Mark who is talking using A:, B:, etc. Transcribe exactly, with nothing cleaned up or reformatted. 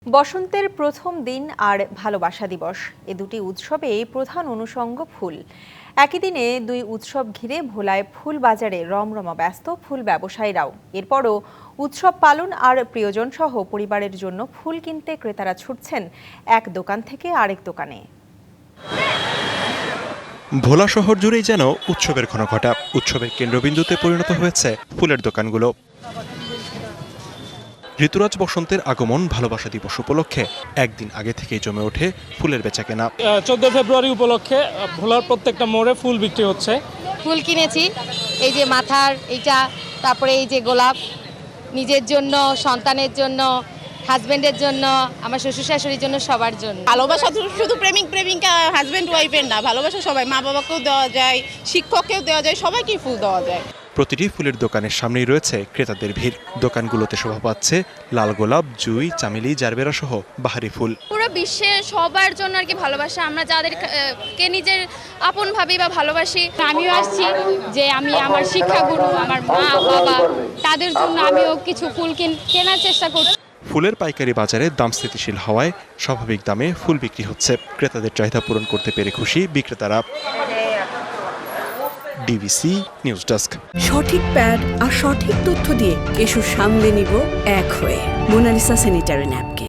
A: বসন্তের প্রথম দিন আর ভালোবাসা দিবস এ দুটি উৎসবে প্রধান অনুষঙ্গ ফুল। একই দিনে দুই উৎসব ঘিরে ভোলায় ফুল বাজারে রমরমা ব্যস্ত ফুল ব্যবসায়ীরাও। এরপরও উৎসব পালন আর প্রিয়জন সহ পরিবারের জন্য ফুল কিনতে ক্রেতারা ছুটছেন এক দোকান থেকে আরেক দোকানে।
B: ভোলা শহর জুড়েই যেন উৎসবের ঘনঘটা। উৎসবের কেন্দ্রবিন্দুতে পরিণত হয়েছে ফুলের দোকানগুলো। ঋতুরাজ বসন্তের আগমন ভালোবাসা দিবস উপলক্ষে একদিন আগে থেকেই জমে ওঠে ফুলের বেচাকেনা।
C: চোদ্দ ফেব্রুয়ারি উপলক্ষে ভোলার প্রত্যেকটা মোড়ে ফুল বিক্রি হচ্ছে।
D: ফুল কিনেছি, এই যে মাথার এইটা, তারপরে এই যে গোলাপ, নিজের জন্য, সন্তানের জন্য, হাজবেন্ডের জন্য, আমার শ্বশুর শাশুড়ির জন্য, সবার জন্য।
E: ভালোবাসা শুধু প্রেমিক প্রেমিকা হাজবেন্ড ওয়াইফের না, ভালোবাসা সবাই, মা বাবাকেও দেওয়া যায়, শিক্ষককেও দেওয়া যায়, সবাইকেই ফুল দেওয়া যায়।
B: প্রতিটি ফুলের দোকানের সামনেই রয়েছে ক্রেতাদের ভিড়। দোকানগুলোতে শোভা পাচ্ছে লাল গোলাপ, জুই, চামেলি, জারবেরা সহ বাহারি ফুল।
F: পুরো বিশ্বে সবার জন্য আর কি ভালোবাসা, আমরা যাদেরকে নিজের আপন ভাবি বা ভালোবাসি।
G: আমিও আসছি যে আমি আমার শিক্ষাগুরু, আমার মা বাবা, তাদের জন্য আমিও কিছু ফুল কেনার চেষ্টা করছি।
B: ফুলের পাইকারি বাজারে দাম স্থিতিশীল হওয়ায় স্বাভাবিক দামে ফুল বিক্রি হচ্ছে। ক্রেতাদের চাহিদা পূরণ করতে পেরে খুশি বিক্রেতারা। DBC news desk.
H: সঠিক প্যাড আর সঠিক তথ্য দিয়ে কেশু সামলে নিব এক হয়ে মোনালিসা স্যানিটারি ন্যাপকিন।